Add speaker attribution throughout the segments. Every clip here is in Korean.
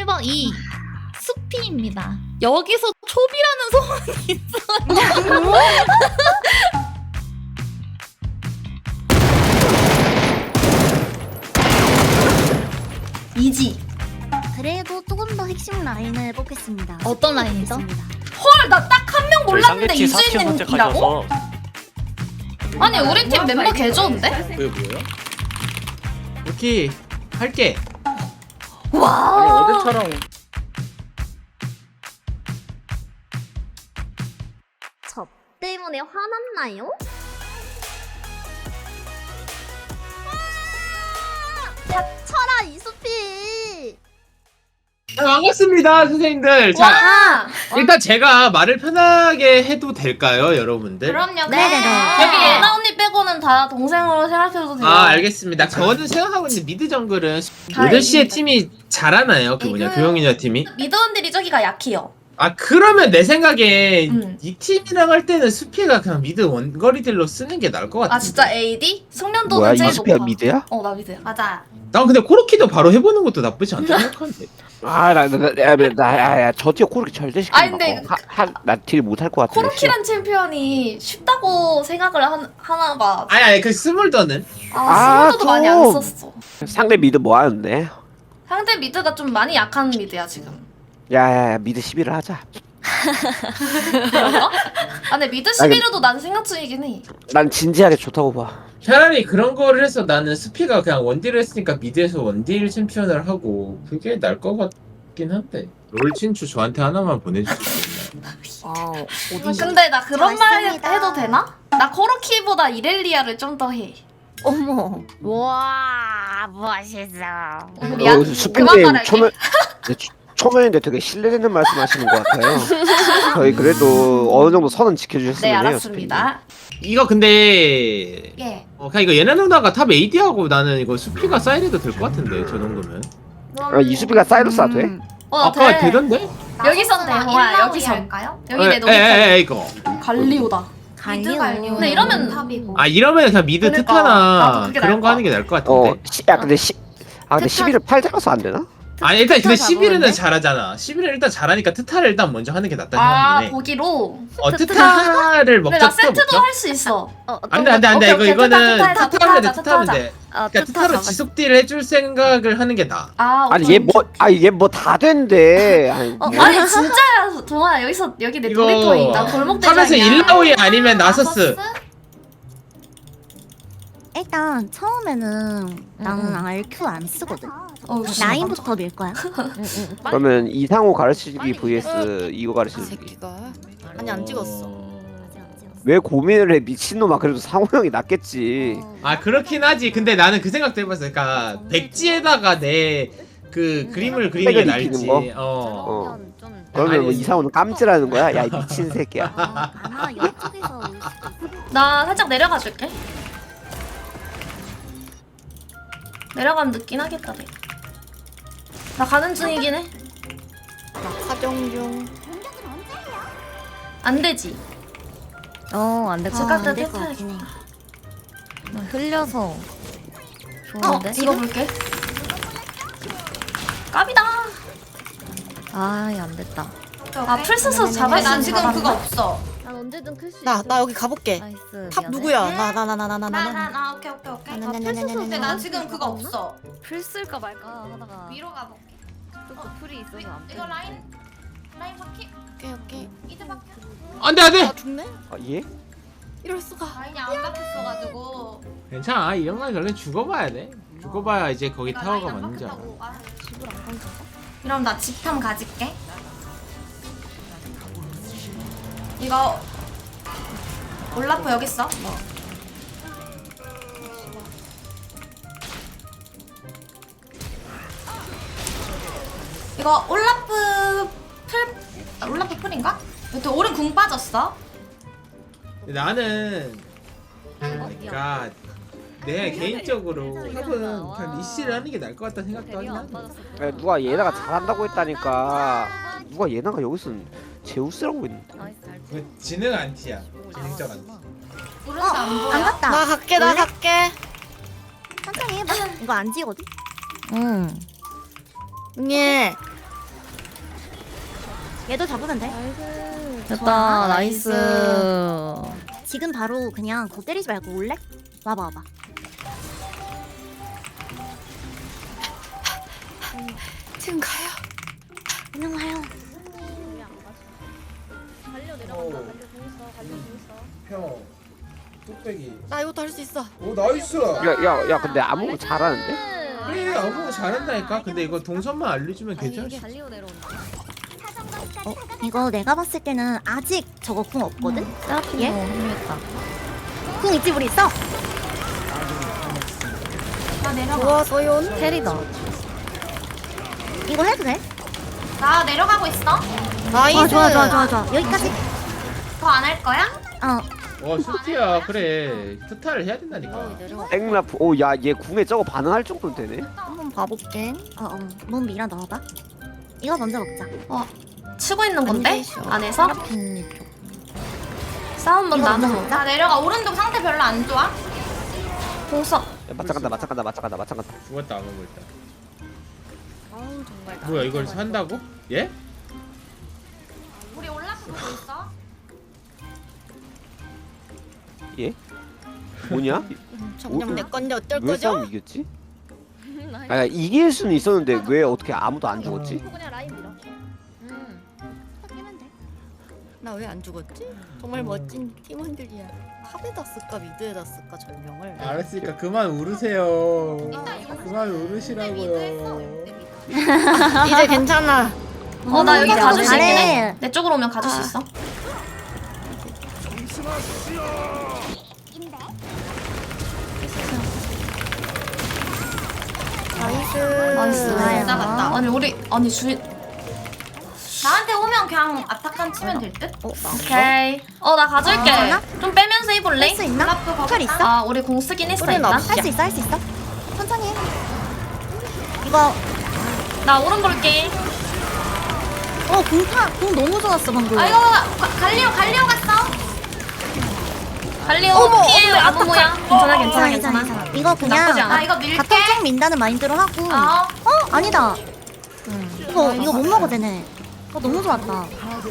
Speaker 1: 1번 2 수피입니다. 여기서 초비라는 소문이 있어요. 이지.
Speaker 2: 그래도 조금 더 핵심 라인을 뽑겠습니다.
Speaker 1: 어떤 라인이죠?
Speaker 2: 있습니다.
Speaker 1: 헐, 나 딱 한 명 몰랐는데
Speaker 3: 상대팀 4티어
Speaker 1: 이주인님이라고?
Speaker 3: 선택하셔서
Speaker 1: 아니 우리 팀 멤버 개 좋은데?
Speaker 4: 그게 뭐야? 오케이 할게.
Speaker 1: 와.
Speaker 4: 아니 어제처럼
Speaker 2: 저 때문에 화났나요? 닥쳐라 이수피.
Speaker 4: 반갑습니다 선생님들. 자
Speaker 1: 와.
Speaker 4: 일단 제가 말을 편하게 해도 될까요 여러분들?
Speaker 1: 그럼요.
Speaker 2: 네네네.
Speaker 1: 여기 예나 언니 빼고는 다 동생으로 생각해도 돼요.
Speaker 4: 아 알겠습니다. 저는 생각하고 있는 미드 정글은
Speaker 1: 다
Speaker 4: 8시에
Speaker 1: 이깁니다.
Speaker 4: 팀이 잘하나요? 그 뭐냐 교영이냐 팀이?
Speaker 1: 미드원들이 저기가 약해요.
Speaker 4: 아 그러면 내 생각에
Speaker 1: 음.
Speaker 4: 이 팀이랑 할 때는 수피가 그냥 미드 원거리들로 쓰는 게 나을 것 같아.
Speaker 1: 아 진짜 AD? 숙련도는
Speaker 5: 뭐야
Speaker 1: 제일
Speaker 5: 이수피가
Speaker 1: 높아.
Speaker 5: 미드야?
Speaker 1: 어 나 미드야. 맞아.
Speaker 4: 난 근데 코르키도 바로 해보는 것도 나쁘지 않다 생각하는데.
Speaker 5: 아나저 티어 코르키 절대
Speaker 1: 아니,
Speaker 5: 시키지
Speaker 1: 근데
Speaker 5: 마. 나딜 못할 것 같아.
Speaker 1: 코르키란 챔피언이 쉽다고 생각을 하나 봐.
Speaker 4: 아니 그 스몰더는?
Speaker 1: 스몰도도 많이 안
Speaker 5: 좀.
Speaker 1: 썼어.
Speaker 5: 상대 미드 뭐 하는데?
Speaker 1: 상대 미드가 좀 많이 약한 미드야 지금.
Speaker 5: 야야야 미드 11을 하자.
Speaker 1: 그런가? 아 근데 미드 11호도 난 생각 중이긴 해.
Speaker 5: 난 진지하게 좋다고 봐.
Speaker 4: 차라리 그런 거를 해서 나는 수피가 그냥 원딜을 했으니까 미드에서 원딜 챔피언을 하고 그게 나을 것 같긴 한데. 롤 친추 저한테 하나만 보내줄 수 있나요?
Speaker 1: 근데 나 그런 말
Speaker 2: 좋습니다.
Speaker 1: 해도 되나? 나 코르키보다 이렐리아를 좀 더 해.
Speaker 2: 어머. 와 멋있어.
Speaker 1: 미안. 그만
Speaker 5: 수피님
Speaker 1: 말할게.
Speaker 5: 초면인데 되게 신뢰되는 말씀하시는 것 같아요. 저희 그래도 어느 정도 선은 지켜주셨으면
Speaker 1: 네
Speaker 5: 해요.
Speaker 1: 알았습니다.
Speaker 4: 이거 근데
Speaker 1: 예.
Speaker 4: 그냥 이거 예나 누나가 탑 AD하고 나는 이거 수피가 사이드도 될 것 같은데 저 정도면.
Speaker 5: 아, 이수피가 사이러스 돼?
Speaker 4: 아까 되던데?
Speaker 1: 여기선 돼. 뭐야 여기선. 여기 내 노래
Speaker 4: 에에에 이거.
Speaker 1: 갈리오다.
Speaker 2: 갈리오.
Speaker 1: 근데 이러면
Speaker 2: 탑이고.
Speaker 4: 아 이러면 그냥 미드
Speaker 1: 그러니까. 나도
Speaker 4: 트타나
Speaker 1: 그게
Speaker 4: 그런
Speaker 1: 나을
Speaker 4: 거 하는 게 나을 것 같은데.
Speaker 5: 근데 근데 11을 팔 잡아서 안 되나?
Speaker 4: 아니 일단 근데
Speaker 2: 트타
Speaker 4: 11은
Speaker 2: 잡았는데?
Speaker 4: 잘하잖아. 11은 일단 잘하니까 트타를 일단 먼저 하는 게 낫다
Speaker 1: 아
Speaker 4: 생각이네.
Speaker 1: 보기로.
Speaker 4: 트타를
Speaker 1: 근데
Speaker 4: 먹자.
Speaker 1: 나 세트도 할 수 있어.
Speaker 4: 안돼
Speaker 1: 오케이, 오케이.
Speaker 4: 이거는
Speaker 1: 트타
Speaker 4: 트타하면 돼
Speaker 1: 하자,
Speaker 4: 트타하면
Speaker 1: 트타
Speaker 4: 돼. 그러니까 트타로 지속 딜을 해줄 생각을 하는 게 나아.
Speaker 1: 아
Speaker 5: 아니
Speaker 1: 오케이.
Speaker 5: 얘 뭐 다 된대. 아니,
Speaker 1: 아니 진짜야 동아 여기 내
Speaker 4: 이거
Speaker 1: 놀이터인 나 골목 대장이야.
Speaker 4: 탑에서 일라오이 아니면 나서스.
Speaker 2: 일단 처음에는 나는 RQ 안 쓰거든. 라인부터 밀 거야.
Speaker 5: 그러면 이상호 가르치기 vs 이거 가르치기.
Speaker 6: 새끼가 아니 안 찍었어.
Speaker 5: 왜 고민을 해 미친놈아. 그래도 상호 형이 낫겠지.
Speaker 4: 아 그렇긴 하지. 근데 나는 그 생각도 해봤어. 그러니까 백지에다가 내 그 그림을 그리는 게
Speaker 5: 색을
Speaker 4: 날지.
Speaker 5: 입히는
Speaker 4: 어.
Speaker 5: 그러면 뭐
Speaker 4: 아니.
Speaker 5: 이상호는 깜찍하는 거야? 야 이 미친 새끼야.
Speaker 2: 아마 이쪽에서 올 수도 있어.
Speaker 1: 나 살짝 내려가 줄게. 내려가면 늦긴 하겠다. 내. 나 가는 중이긴 해.
Speaker 6: 사정 중.
Speaker 1: 안 되지.
Speaker 2: 안 될 것
Speaker 1: 잠깐
Speaker 2: 같긴
Speaker 1: 떼타야겠다.
Speaker 2: 해.
Speaker 7: 흘려서
Speaker 1: 이거 볼게. 까비다.
Speaker 7: 아이 안 됐다.
Speaker 1: 아 풀스서 잡았으면
Speaker 6: 난 지금
Speaker 1: 잡았나?
Speaker 6: 그거 없어.
Speaker 2: 난 언제든 클 수.
Speaker 6: 나 여기 가볼게.
Speaker 7: 나이스.
Speaker 6: 탑 누구야? 나.
Speaker 1: 오케이.
Speaker 6: 근데 난 지금 그거 없어.
Speaker 7: 풀 쓸까 말까 하다가
Speaker 1: 위로 가볼게.
Speaker 7: 또 풀이 있어서 안 돼.
Speaker 1: 이거 라인 바퀴
Speaker 6: 오케이.
Speaker 1: 이제 바퀴.
Speaker 4: 안돼 안돼.
Speaker 6: 나 죽네?
Speaker 5: 아 예?
Speaker 6: 이럴 수가.
Speaker 1: 라인이 안 바뀌었어가지고.
Speaker 4: 괜찮아. 이런 건 결국 죽어봐야 돼. 죽어봐야 이제 거기 타워가 맞는지 알아.
Speaker 1: 이럼 나 집탐 가질게. 이거 올라프 여기 있어. 이거 올라프 풀인가? 또 오른 궁 빠졌어.
Speaker 4: 근데 나는 그러니까 내 개인적으로 탑은 그냥 리시를 하는 게 나을 것 같다는 생각도 하긴
Speaker 7: 안
Speaker 4: 하네.
Speaker 7: 빠졌어.
Speaker 5: 야, 누가 예나가 잘한다고 했다니까. 누가 예나가 여기서 제우스라고 있는데.
Speaker 7: 나이스 잘 치.
Speaker 4: 그 지능 안티야. 지능적 안티.
Speaker 1: 오른쪽 안 보여.
Speaker 2: 안 갔다.
Speaker 6: 나 갈게.
Speaker 2: 천천히 해봐. 이거 안 지거든.
Speaker 7: 응.
Speaker 6: 예.
Speaker 2: 얘도 잡으면 돼.
Speaker 7: 됐다. 나이스.
Speaker 2: 지금 바로 그냥 거 때리지 말고 올래? 와봐 와봐.
Speaker 6: 지금 가요.
Speaker 2: 그냥 와요.
Speaker 4: 형 뚝배기.
Speaker 6: 나 이것도 할 수 있어.
Speaker 4: 오 나이스.
Speaker 5: 야 근데 아무 잘하는데?
Speaker 4: 그래 아무 잘한다니까. 근데 이거 동선만 알려주면
Speaker 7: 아니
Speaker 4: 괜찮을
Speaker 7: 이게
Speaker 4: 수.
Speaker 7: 달리오 내려온다.
Speaker 2: 이거 내가 봤을 때는 아직 저거 궁 없거든?
Speaker 7: 세라핀
Speaker 2: 예?
Speaker 7: 흥미했다.
Speaker 2: 궁 있지 우리 있어?
Speaker 1: 나 내려가.
Speaker 6: 좋았어요.
Speaker 7: 캐리다.
Speaker 2: 이거 해도 돼?
Speaker 1: 나 내려가고 있어.
Speaker 6: 나이스.
Speaker 2: 좋아. 여기까지.
Speaker 1: 더 안 할 거야?
Speaker 2: 어.
Speaker 4: 수티야 그래. 트타를 해야 된다니까.
Speaker 5: 땡라프. 오야 얘 궁에 저거 반응할 정도는 되네.
Speaker 6: 한번 봐볼게.
Speaker 2: 몸 밀어 넣어봐. 이거 먼저 먹자.
Speaker 1: 치고 있는 건데? 안에서?
Speaker 7: 세라핀 쪽.
Speaker 1: 싸움 못
Speaker 2: 이거
Speaker 1: 나눠.
Speaker 2: 먼저 먹자.
Speaker 1: 나 내려가. 오른쪽 상태 별로 안 좋아. 공석.
Speaker 5: 야, 맞짱간다.
Speaker 4: 죽었다 안 먹을 때.
Speaker 7: 아우 정말.
Speaker 4: 뭐야 이걸 산다고? 예?
Speaker 1: 우리 올라프 보고 있어.
Speaker 5: 예? 뭐냐?
Speaker 6: 점점 내 건데 어쩔
Speaker 5: 왜
Speaker 6: 거죠?
Speaker 5: 싸움 이겼지? 아 이길 수는 있었는데 왜 어떻게 아무도 안 죽었지?
Speaker 7: 그냥 라인 밀어.
Speaker 2: 끼면 돼.
Speaker 6: 나 왜 안 죽었지? 정말 멋진 팀원들이야. 탑에다 쓸까 미드에다 쓸까 전령을.
Speaker 4: 알았으니까 그만 울으세요. 그만 울으시라고요.
Speaker 6: 이제 괜찮아.
Speaker 1: 나 여기 가줄 수 있긴 해.
Speaker 2: 잘해.
Speaker 1: 내 쪽으로 오면 가줄 수 있어.
Speaker 6: 나이스.
Speaker 1: 나이스.
Speaker 2: 좋아요.
Speaker 1: 나갔다. 아니 주인. 나한테 오면 그냥 아타칸 치면 될 듯? 오케이. 나 가줄게.
Speaker 2: 괜찮아?
Speaker 1: 좀 빼면서 해볼래?
Speaker 2: 할 수 있나?
Speaker 1: 올라프 가볼까?
Speaker 2: 털 있어?
Speaker 1: 아, 우리 공 쓰긴 했어
Speaker 6: 우리는
Speaker 1: 일단.
Speaker 6: 없어.
Speaker 2: 할 수 있어. 천천히 해. 이거
Speaker 1: 나 오른 볼게.
Speaker 2: 궁 너무 좋았어 방금.
Speaker 1: 아 이거 갈리오 갔어. 갈리오 피해 아무 모양. 괜찮아.
Speaker 2: 이거
Speaker 1: 나쁘지
Speaker 2: 그냥
Speaker 1: 않아. 이거 밀게.
Speaker 2: 바텀 쭉 민다는 마인드로 하고. 아니다. 이거 못 먹어 되네. 너무 좋았다.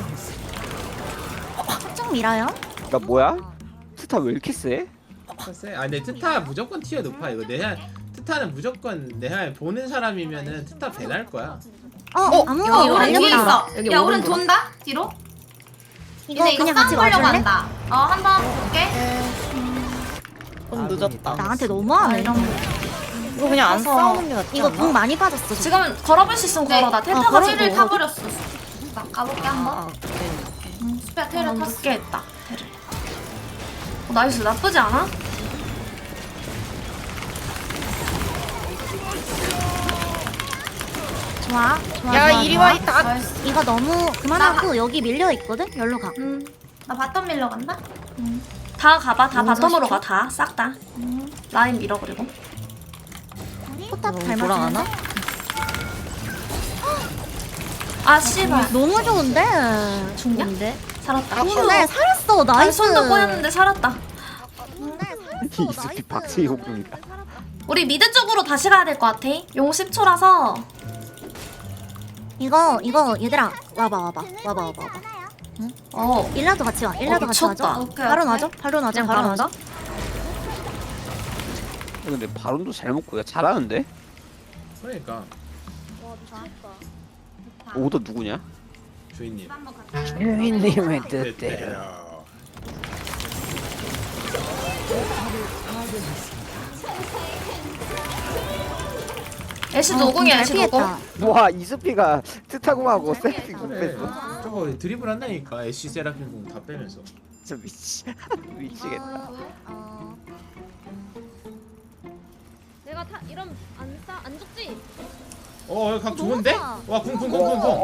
Speaker 2: 쭉 밀어요.
Speaker 5: 나 뭐야? 스타 왜 이렇게 세?
Speaker 4: 아 근데 트타 무조건 티어 높아 이거. 트타는 무조건 내가 보는 사람이면은 트타 배날 거야.
Speaker 2: 아무
Speaker 1: 여기
Speaker 2: 거
Speaker 1: 오른 뒤에
Speaker 2: 알려봐.
Speaker 1: 있어. 야 오른 돈다 뒤로.
Speaker 2: 이거
Speaker 1: 이제 이거
Speaker 2: 그냥
Speaker 1: 싸움
Speaker 2: 같이
Speaker 1: 보려고
Speaker 2: 와줄래?
Speaker 1: 한다. 한번 볼게.
Speaker 6: 좀 늦었다.
Speaker 2: 나한테 너무하네.
Speaker 6: 이거 그냥 안
Speaker 1: 가서
Speaker 6: 싸우는 게 낫지
Speaker 2: 이거
Speaker 6: 않아?
Speaker 2: 궁 많이 빠졌어.
Speaker 1: 지금 걸어볼 수 있으면 걸어. 나 텔타가
Speaker 2: 걸어도
Speaker 1: 찌를
Speaker 2: 돼.
Speaker 1: 타버렸어. 나 가볼게 한번.
Speaker 6: 오케이.
Speaker 1: 수피야 테를 탔게 했다. 테를. 나이스 나쁘지 않아?
Speaker 2: 좋아.
Speaker 6: 야 이리 와 있다.
Speaker 1: 나이스.
Speaker 2: 이거 너무 그만하고 여기 밀려 있거든. 열로 가.
Speaker 1: 나 바텀 밀러 간다. 다 가봐. 다 바텀으로 가. 다 싹 다. 라인 밀어 그리고.
Speaker 2: 포탑
Speaker 7: 너무
Speaker 2: 잘
Speaker 7: 돌아가나?
Speaker 2: 맞추네.
Speaker 1: 아 씨발.
Speaker 2: 너무 좋은데.
Speaker 1: 죽냐?
Speaker 7: 근데
Speaker 1: 살았다.
Speaker 2: 네 살았어.
Speaker 1: 아니
Speaker 2: 나이스.
Speaker 1: 손도 꼬였는데 살았다.
Speaker 5: 이 스피 박치기 공중이다.
Speaker 1: 우리 미드 쪽으로 다시 가야 될 것 같아. 용 10초라서.
Speaker 2: 이거 얘들아 와봐. 일라도 같이 와. 일라도 같이
Speaker 1: 미쳤다.
Speaker 2: 와줘.
Speaker 1: 오케이,
Speaker 2: 바로
Speaker 1: 오케이.
Speaker 2: 놔줘. 바로 놔줘.
Speaker 7: 그냥
Speaker 2: 바로
Speaker 7: 바로
Speaker 2: 놔줘.
Speaker 5: 근데 바론도 잘 먹고 야 잘하는데?
Speaker 4: 그러니까
Speaker 5: 오더 누구냐?
Speaker 4: 주인님.
Speaker 1: 한번 가자.
Speaker 5: 주인님의
Speaker 4: 뜻대로.
Speaker 1: 애쉬 노공이야 애쉬 노공.
Speaker 2: 피했다.
Speaker 5: 와 이스피가 트타공하고 세팅
Speaker 4: 그래.
Speaker 5: 못했어.
Speaker 4: 저거 드리블 한다니까. 애쉬 세라핀 공 다 빼면서.
Speaker 5: 진짜 미치겠다.
Speaker 7: 내가 이런 안 죽지?
Speaker 4: 각 좋은데? 와 쿵쿵쿵쿵쿵.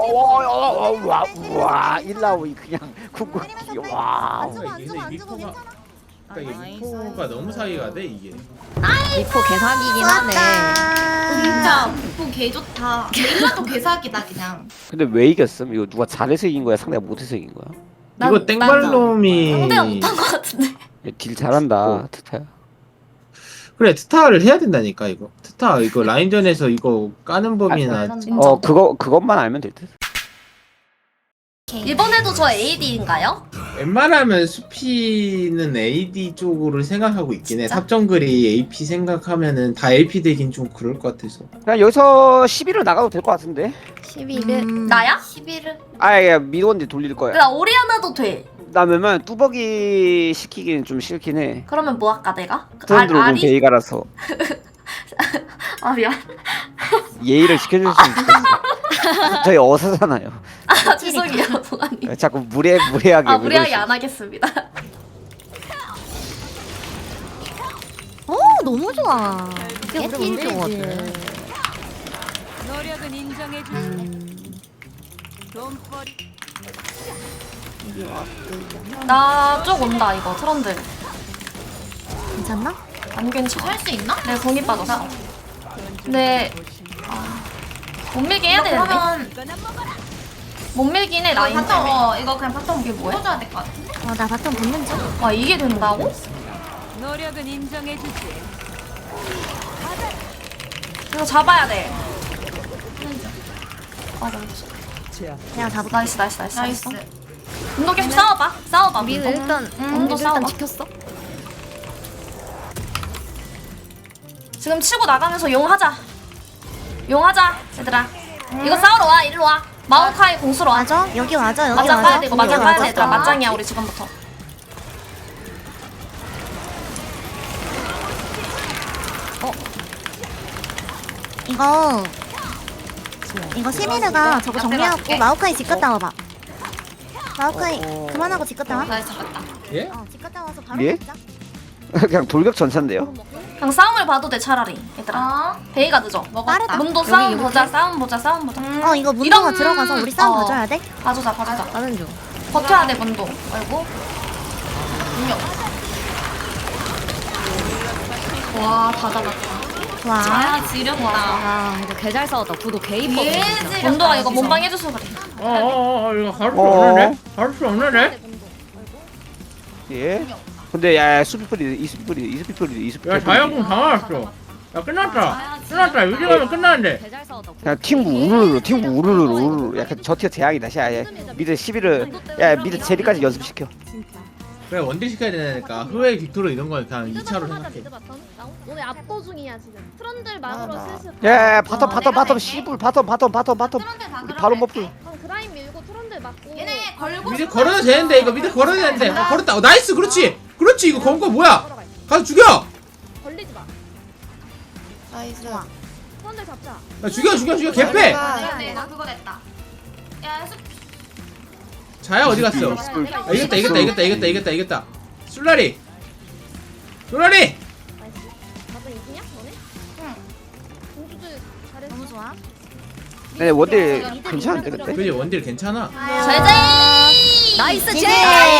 Speaker 5: 와 일라오이 그냥 궁극기 와.
Speaker 4: 그러니까 이게 미포가 그러니까 이게 미포가 너무 사이가 돼 이게.
Speaker 7: 미포 개사기긴 하네.
Speaker 1: 진짜 미포 개 좋다. 멜라도 개사기다 그냥.
Speaker 5: 근데 왜 이겼음? 이거 누가 잘해서 이긴 거야? 상대가 못해서 이긴 거야?
Speaker 4: 이거 땡발놈이
Speaker 1: 상대가 못한 것 같은데.
Speaker 5: 야, 딜 잘한다 트타야.
Speaker 4: 그래 트타를 해야 된다니까 이거. 트타 이거 라인전에서 이거 까는 법이나
Speaker 1: 진짜.
Speaker 5: 그것만 알면 될 듯.
Speaker 1: 이번에도 저 AD인가요?
Speaker 4: 웬만하면 수피는 AD 쪽으로 생각하고 있긴 해. 탑정글이 AP 생각하면은 다 AP 되긴 좀 그럴 것 같아서.
Speaker 5: 그냥 여기서 11을 나가도 될 것 같은데.
Speaker 7: 11일.
Speaker 1: 나야? 11을.
Speaker 5: 아예 미드원디 돌릴 거야.
Speaker 1: 나 오리아나도 돼.
Speaker 5: 나 왜냐면 뚜벅이 시키기는 좀 싫긴 해.
Speaker 1: 그러면 뭐 할까 내가?
Speaker 5: 트렌드 오고
Speaker 1: 아리?
Speaker 5: 베이가라서
Speaker 1: 아 미안.
Speaker 5: 예의를 지켜줄 수 있어. 저희 어사잖아요.
Speaker 1: 아 죄송해요 동아님.
Speaker 5: 자꾸 무례하게.
Speaker 1: 아 무리하게 안 하겠습니다.
Speaker 2: 너무 좋아.
Speaker 7: 이게 우리 문제거든.
Speaker 3: 노력은 인정해주지.
Speaker 1: 나 쪽 온다 이거 트런들.
Speaker 2: 괜찮나?
Speaker 1: 안 괜찮아. 할 수 있나? 내가 공이 빠졌어. 근데 못 밀게 해야 되는데. 못 밀긴 해 라인 때문에. 이거 그냥 바텀 이게 뭐야? 해줘야 될 것 같아.
Speaker 2: 나 바텀 붙는 중.
Speaker 1: 와 이게 된다고?
Speaker 3: 노력은 인정해주지.
Speaker 1: 이거 잡아야 돼. 아
Speaker 2: 내가 잡을까?
Speaker 1: 나이스. 운동 계속 싸워봐.
Speaker 7: 미드
Speaker 1: 운동.
Speaker 7: 일단
Speaker 1: 운동
Speaker 7: 미드
Speaker 1: 싸워봐.
Speaker 7: 일단 지켰어.
Speaker 1: 지금 치고 나가면서 용하자 얘들아. 이거 싸우러 와 일로 와. 마오카이 공수로 와.
Speaker 2: 맞아? 여기 맞아. 여기
Speaker 1: 맞짱
Speaker 2: 맞아.
Speaker 1: 까야 돼 이거 맞짱
Speaker 2: 여기
Speaker 1: 까야 돼
Speaker 2: 맞아.
Speaker 1: 얘들아. 맞짱이야 우리 지금부터.
Speaker 2: 이거 시미르가 저거 정리하고
Speaker 1: 갈게.
Speaker 2: 마오카이 집 갔다 와봐. 마오카이 그만하고 집 갔다 와.
Speaker 1: 나이스 잡았다.
Speaker 4: 예?
Speaker 2: 집 갔다 와서 바로
Speaker 5: 예?
Speaker 2: 먹자.
Speaker 5: 그냥 돌격 전차인데요.
Speaker 1: 그냥 싸움을 봐도 돼 차라리 얘들아. 베이가 늦어.
Speaker 2: 빠르다.
Speaker 1: 문도 싸움 보자. 싸움 보자.
Speaker 2: 이거 문도가
Speaker 1: 이런-
Speaker 2: 들어가서 우리 싸움
Speaker 1: 어.
Speaker 2: 봐줘야 돼.
Speaker 1: 봐주자.
Speaker 7: 가는 중.
Speaker 1: 버텨야 돼 문도. 아이고. 능력. 와다 잡았다.
Speaker 2: 좋아.
Speaker 1: 지렸다.
Speaker 7: 아 이거 개 잘 싸웠다. 구도 개 이뻐.
Speaker 1: 문도가 이거 몸빵 해줘서 그래.
Speaker 4: 이거 할 수
Speaker 5: 어.
Speaker 4: 없는데? 할 수 없는데?
Speaker 5: 예. 근데 야 수피풀이 이수피풀이
Speaker 4: 야 자연공 당황했어. 야 끝났다. 여기 가면 끝나는데.
Speaker 7: 개 잘 싸웠다.
Speaker 5: 그냥 팀구 우르르 약간 저티어 재앙이다. 야 미드 11을 야 미드 제리까지 연습시켜.
Speaker 4: 그래 원딜 시켜야 되니까 후에 빅토르 이런 건 그냥 2차로 생각해.
Speaker 7: 오늘 압도 중이야 지금. 트런들 막으로 슬슬.
Speaker 5: 야 바텀 씨불 바텀 우리 바로 머플.
Speaker 7: 그럼 그라인 밀고 트런들 막고.
Speaker 1: 얘네 걸고
Speaker 4: 미드 걸어도 되는데 이거 미드 걸어도 되는데. 걸었다. 나이스 그렇지 이거 건 거 뭐야? 가서 죽여.
Speaker 7: 걸리지 마.
Speaker 6: 나이스.
Speaker 7: 트런들 잡자.
Speaker 4: 야, 죽여 개패.
Speaker 1: 나 그거 됐다. 야
Speaker 4: 자야 어디 갔어? 아, 이겼다. 술라리.
Speaker 7: 나도 이기냐 너네? 응. 공주들 잘했어.
Speaker 2: 너무 좋아.
Speaker 5: 네 원딜 괜찮은데 근데.
Speaker 4: 그지 원딜 괜찮아.
Speaker 1: 제제.
Speaker 7: 나이스
Speaker 2: 제.
Speaker 7: 제.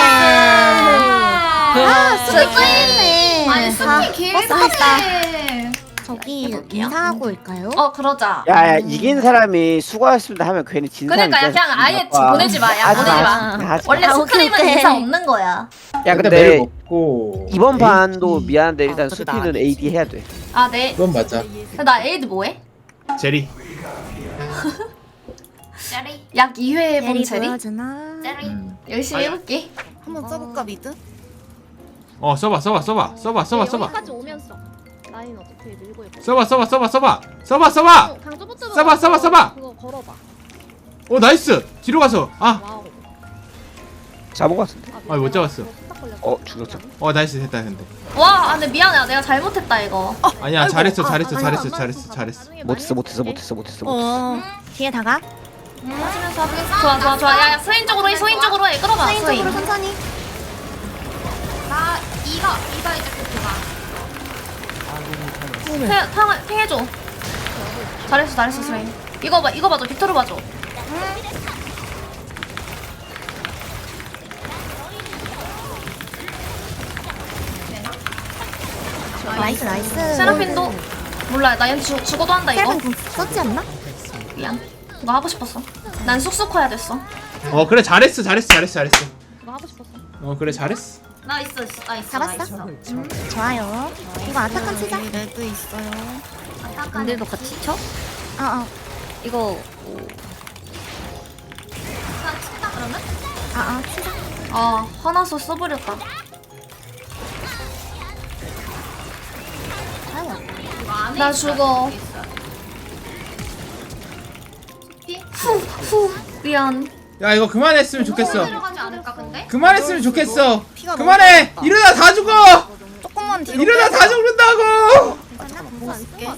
Speaker 2: 수고했네.
Speaker 1: 아니 승리 기회다.
Speaker 2: 저기 인사하고 올까요?
Speaker 1: 그러자.
Speaker 5: 야 이긴 사람이 수고하셨습니다 하면 괜히 진 사람이.
Speaker 1: 그러니까 그냥 아예 보내지 마. 야
Speaker 5: 하지
Speaker 1: 보내지 마.
Speaker 5: 하지
Speaker 1: 원래
Speaker 2: 아,
Speaker 1: 스크림은
Speaker 2: 오케이.
Speaker 1: 인사 없는 거야.
Speaker 5: 야 근데
Speaker 4: 먹고
Speaker 5: 이번 판도 미안한데 일단
Speaker 6: 그래도
Speaker 5: 수피는
Speaker 6: 나
Speaker 5: AD 해야 돼.
Speaker 1: 아 네.
Speaker 4: 그건 맞아.
Speaker 1: 나 에이드 뭐해?
Speaker 4: 제리.
Speaker 1: 제리. 약 2회 해본
Speaker 2: 제리
Speaker 1: 제리.
Speaker 2: 보여주나?
Speaker 1: 제리. 열심히 해볼게.
Speaker 6: 한번 써볼까 미드?
Speaker 4: 써봐.
Speaker 7: 여기까지 오면서 라인 어떻게 밀고 있고.
Speaker 4: 써봐.
Speaker 7: 강조부터
Speaker 4: 써봐.
Speaker 7: 그거 걸어봐.
Speaker 4: 오 나이스. 뒤로 가서.
Speaker 7: 와우.
Speaker 5: 잡은 것 같은데.
Speaker 4: 못 잡았어.
Speaker 7: 딱 걸렸어.
Speaker 5: 죽었죠.
Speaker 4: 나이스 됐다 근데.
Speaker 1: 와, 근데 미안해. 내가 잘못했다 이거.
Speaker 4: 아니야 잘했어.
Speaker 7: 나중에
Speaker 5: 못했어.
Speaker 2: 뒤에 다가.
Speaker 1: 좋아. 야, 스웨인 쪽으로 해. 끌어봐.
Speaker 2: 스웨인
Speaker 1: 스웨인.
Speaker 2: 쪽으로 천천히.
Speaker 1: 나 이거 이제 그가. 팽해줘. 잘했어 스웨인. 이거 봐줘. 빅토르 봐줘.
Speaker 2: 나이스.
Speaker 1: 세라핀도 몰라. 나 얘는 죽어도 한다 이거.
Speaker 2: 세븐 썼지 않나?
Speaker 1: 미안. 이거 하고 싶었어. 난 쑥쑥 커야 됐어.
Speaker 4: 그래 잘했어.
Speaker 7: 그거 하고 싶었어.
Speaker 4: 그래 잘했어.
Speaker 1: 나이스.
Speaker 2: 잡았어? 좋아요. 이거 아타칸 치자.
Speaker 6: 여기 레드 있어요.
Speaker 7: 근데도 같이 쳐?
Speaker 2: 어.
Speaker 7: 이거
Speaker 1: 난 친다. 그러면?
Speaker 2: 진짜.
Speaker 1: 아 화나서 써버렸다. 나 죽어. 후 미안.
Speaker 4: 야 이거 그만했으면 좋겠어.
Speaker 1: 들어가지 않을까 근데?
Speaker 4: 그만했으면 좋겠어.
Speaker 6: 피가
Speaker 4: 그만해.
Speaker 6: 너무
Speaker 4: 이러다 다 죽어.
Speaker 6: 조금만 뒤로
Speaker 4: 이러다 다 죽는다고.
Speaker 6: 뭐 쓸게.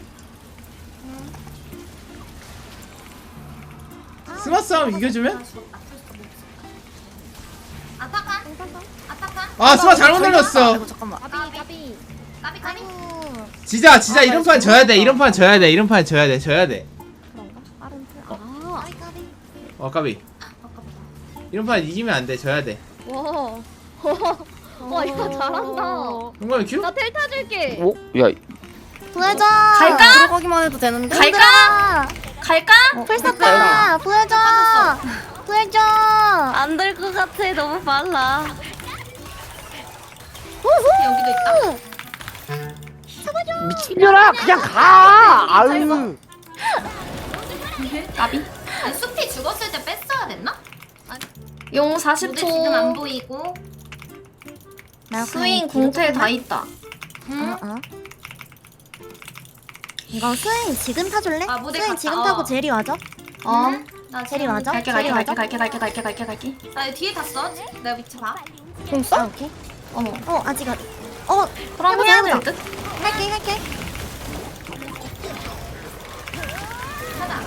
Speaker 4: 스마 싸움 이겨주면?
Speaker 1: 아타칸? 아타칸?
Speaker 4: 아 스마 잘못 눌렀어.
Speaker 6: 아이고 잠깐만.
Speaker 7: 까비.
Speaker 1: 까비?
Speaker 4: 진짜 이런 판 져야 돼. 이런 판 져야 돼. 이런 판 져야 돼.
Speaker 7: 그런가? 빠른 틀. 아.
Speaker 4: 까비. 이런 판 이기면 안 돼. 져야 돼.
Speaker 7: 와. 와 이거 잘한다.
Speaker 4: 용감이 큐?
Speaker 7: 나 텔 타줄게.
Speaker 5: 오? 야
Speaker 2: 보여줘.
Speaker 1: 갈까?
Speaker 6: 들어가기만 해도 되는데.
Speaker 1: 갈까? 갈까?
Speaker 2: 풀 썼다. 보여줘. 보여줘.
Speaker 7: 안 될 것 같아. 너무 빨라.
Speaker 1: 여기도 있다.
Speaker 5: 미친년아 그냥 가. 아유.
Speaker 1: 까비? 아니, 숲이 죽었을 때 뺐어야 됐나? 용 40초. 지금 안 보이고. 스윙 공태 다 있다.
Speaker 2: 이거 스윙 지금 타줄래?
Speaker 1: 아, 무대
Speaker 2: 스윙
Speaker 1: 갔다.
Speaker 2: 지금 타고 제리 와줘.
Speaker 1: 나
Speaker 2: 제리 맞아?
Speaker 1: 갈게.
Speaker 2: 제리 맞아?
Speaker 1: 나 뒤에 탔어. 내 위치 봐.
Speaker 2: 공 써? 오케이. 아직
Speaker 1: 그럼
Speaker 2: 해보자,
Speaker 1: 해야
Speaker 2: 해보자.
Speaker 1: 될 듯?
Speaker 2: 할게.
Speaker 1: 하나.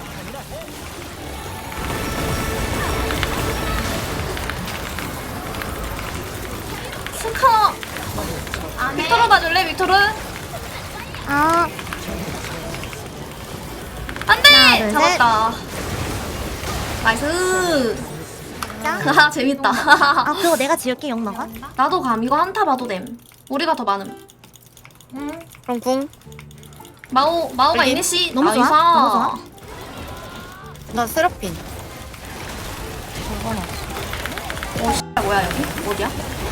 Speaker 1: 스카. 빅토르 봐줄래? 빅토르?
Speaker 2: 아,
Speaker 1: 안돼!
Speaker 2: 하나, 둘,
Speaker 1: 잡았다. 나이스. 아 재밌다.
Speaker 2: 그거 내가 지을게, 용 너가.
Speaker 1: 나도 감. 이거 한타 봐도 됨. 우리가 더 많음.
Speaker 6: 그럼 궁.
Speaker 1: 마오가
Speaker 6: 여기?
Speaker 1: 이니시
Speaker 2: 너무 좋아,
Speaker 1: 나이스.
Speaker 2: 너무 좋아.
Speaker 6: 나 세라핀.
Speaker 1: 뭐야 여기? 어디야?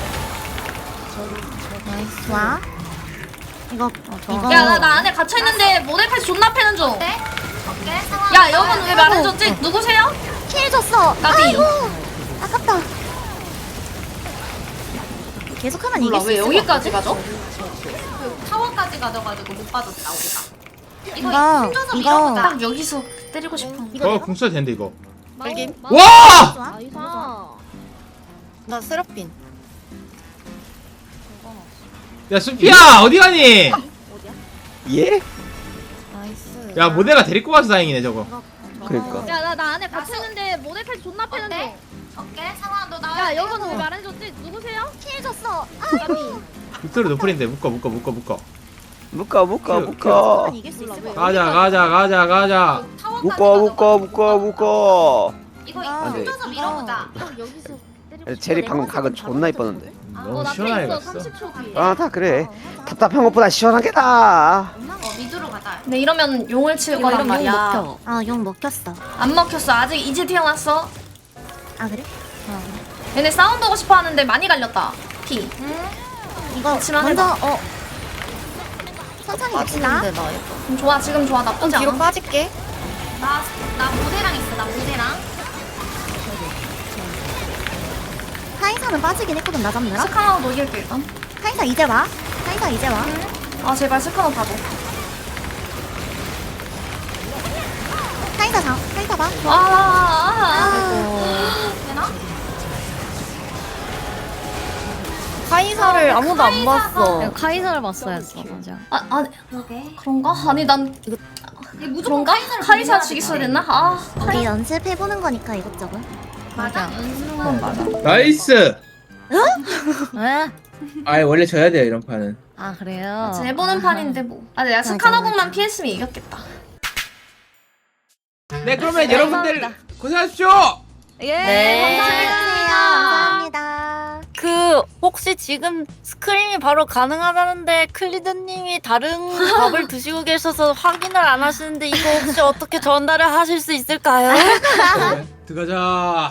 Speaker 2: 좋아. 이거
Speaker 1: 야 나 안에 갇혀 있는데 모델패스 존나 패는 중. 야 여러분 왜 말해줬지? 누구세요?
Speaker 2: 킬 줬어.
Speaker 1: 까비.
Speaker 2: 아이고, 아깝다. 계속하면
Speaker 1: 몰라
Speaker 2: 이길 수
Speaker 1: 왜
Speaker 2: 있을 것
Speaker 1: 여기까지
Speaker 2: 같거든?
Speaker 1: 가죠? 그 타워까지 가져가지고 못 빠졌다 우리가.
Speaker 2: 이거,
Speaker 1: 힘줘서
Speaker 2: 이거.
Speaker 1: 밀어보자. 딱 여기서 때리고 싶어.
Speaker 2: 이거
Speaker 4: 궁 써도 되는데 이거.
Speaker 6: 빨김.
Speaker 4: 와!
Speaker 2: 좋아.
Speaker 7: 나이스.
Speaker 6: 나 세라핀.
Speaker 4: 야 수피야 어디 가니?
Speaker 5: 예?
Speaker 6: 나이스.
Speaker 4: 야 모델가 데리고 가서 다행이네 저거.
Speaker 5: 그러니까.
Speaker 7: 야나 안에 갇혔는데 모델까지 존나 패는 중.
Speaker 1: 오케이 상아 너 나와.
Speaker 7: 야 여러분 왜 말해줬지? 누구세요?
Speaker 2: 킬 줬어.
Speaker 4: 빅토르 노플인데 묶어.
Speaker 5: 묶어.
Speaker 2: 이길 수 있을 것 같아.
Speaker 4: 가자.
Speaker 5: 묶어.
Speaker 1: 이거
Speaker 5: 안 돼.
Speaker 1: 힘줘서 밀어보자.
Speaker 7: 여기서
Speaker 5: 제리 방금 각은 존나 이뻤는데.
Speaker 4: 너무
Speaker 7: 나
Speaker 4: 시원하게
Speaker 7: 있어.
Speaker 4: 갔어.
Speaker 7: 30초 뒤에.
Speaker 5: 아 다 그래. 답답한 것보다 시원한 게 나아.
Speaker 1: 미드로 가자. 근데 이러면 용을 칠
Speaker 2: 이거
Speaker 1: 거란
Speaker 2: 이러면 용
Speaker 1: 말이야.
Speaker 2: 먹혀. 용 먹혔어.
Speaker 1: 안 먹혔어. 아직 이제 태어났어.
Speaker 2: 아, 그래?
Speaker 1: 얘네 싸움 보고 싶어 하는데 많이 갈렸다. 피.
Speaker 2: 이거
Speaker 1: 그치만
Speaker 2: 먼저, 천천히 갑시다.
Speaker 6: 빠지는데 나 이거.
Speaker 1: 좋아 지금 좋아
Speaker 6: 좀
Speaker 1: 나쁘지
Speaker 6: 뒤로
Speaker 1: 않아.
Speaker 6: 빠질게.
Speaker 1: 나 모대랑 있어. 나 모대랑.
Speaker 2: 카이사는 빠지긴 했거든, 나 잡느라.
Speaker 1: 스카나도 이길게 일단.
Speaker 2: 카이사 이제 와. 카이사 이제 와.
Speaker 1: 아 제발 스카나 봐줘.
Speaker 2: 카이사 봐.
Speaker 1: 되나?
Speaker 6: 카이사를 아무도 안 봤어.
Speaker 7: 카이사를 봤어야지 맞아.
Speaker 1: 아니 그런가? 아니 난 그런가? 카이사 죽였어야 됐나?
Speaker 2: 우리 연습해보는 거니까 이것저것.
Speaker 1: 맞아.
Speaker 4: 나이스.
Speaker 7: 왜?
Speaker 4: 아 원래 져야 돼요 이런 판은.
Speaker 7: 아 그래요?
Speaker 1: 같이 해보는 판인데 뭐. 아 내가 스카나공만 피했으면 이겼겠다.
Speaker 4: 네 그러면 여러분들 고생하십시오.
Speaker 7: 예.
Speaker 6: 네.
Speaker 2: 감사합니다.
Speaker 6: 그 혹시 지금 스크림이 바로 가능하다는데 클리드님이 다른 밥을 드시고 계셔서 확인을 안 하시는데 이거 혹시 어떻게 전달을 하실 수 있을까요?
Speaker 4: 들어가자.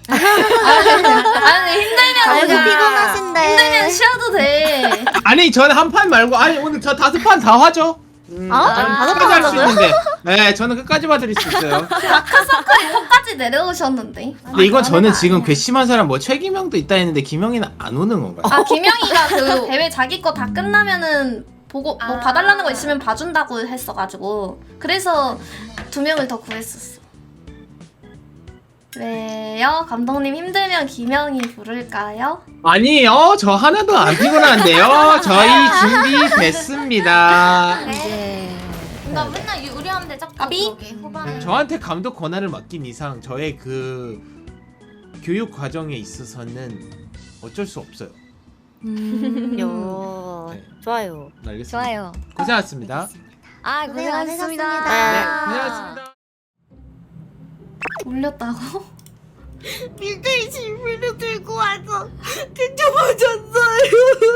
Speaker 1: 아니 힘들면
Speaker 2: 아이고,
Speaker 1: 그냥
Speaker 2: 피곤하신데.
Speaker 1: 힘들면 쉬어도 돼.
Speaker 4: 아니 전 한 판 말고 아니 오늘 저 5판 다 하죠.
Speaker 2: 다섯 판
Speaker 4: 할수
Speaker 2: 하자고요?
Speaker 4: 있는데
Speaker 8: 네, 저는 끝까지 봐드릴 수 있어요.
Speaker 1: 끝까지 내려오셨는데.
Speaker 8: 근데 이건 저는 지금 괘씸한 사람 뭐 최기명도 있다 했는데 김영이는 안 오는 건가요?
Speaker 1: 아 김영이가 그 대회 자기 거 다 끝나면은 보고 뭐 봐달라는 거 있으면 봐준다고 했어가지고 그래서 2명을 더 구했었어. 왜요? 감독님 힘들면 김영이 부를까요?
Speaker 8: 아니요, 저 하나도 안 피곤한데요. 저희 준비됐습니다.
Speaker 1: 나 맨날 유리한데 자꾸 그러게 후반에
Speaker 8: 저한테 감독 권한을 맡긴 이상 저의 그 교육 과정에 있어서는 어쩔 수 없어요. 네.
Speaker 6: 좋아요.
Speaker 8: 알겠습니다.
Speaker 2: 좋아요.
Speaker 8: 고생하셨습니다.
Speaker 2: 아,
Speaker 8: 네,
Speaker 2: 고생하셨습니다.
Speaker 8: 고생하셨습니다.
Speaker 1: 올렸다고?
Speaker 6: 밀대이 실비를 들고 와서 뒤집어졌어요.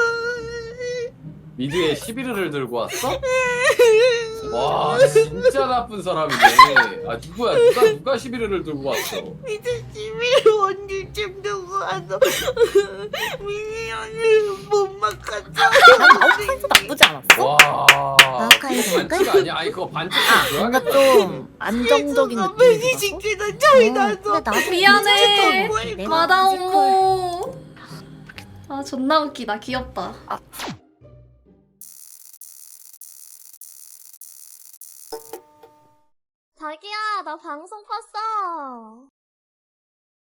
Speaker 9: 미드에 11회를 들고 왔어? 와 진짜 나쁜 사람이네. 아 누구야 누가 11회를 들고 왔어?
Speaker 6: 미드 11을 원딜쯤 들고 와서 미니언을 못 막았어. 아웃파이도 나쁘지 않았어?
Speaker 9: 와
Speaker 2: 마우카이
Speaker 9: 반칙 아니야? 아니 그거 반칙이야.
Speaker 6: 뭔가 좀 안정적인 느낌이라서.
Speaker 2: 근데 나도
Speaker 1: 미안해.
Speaker 2: 내가
Speaker 1: 마다
Speaker 2: 뮤지컬
Speaker 1: 오모. 아 존나 웃기다. 귀엽다.
Speaker 7: 자기야 나 방송 봤어.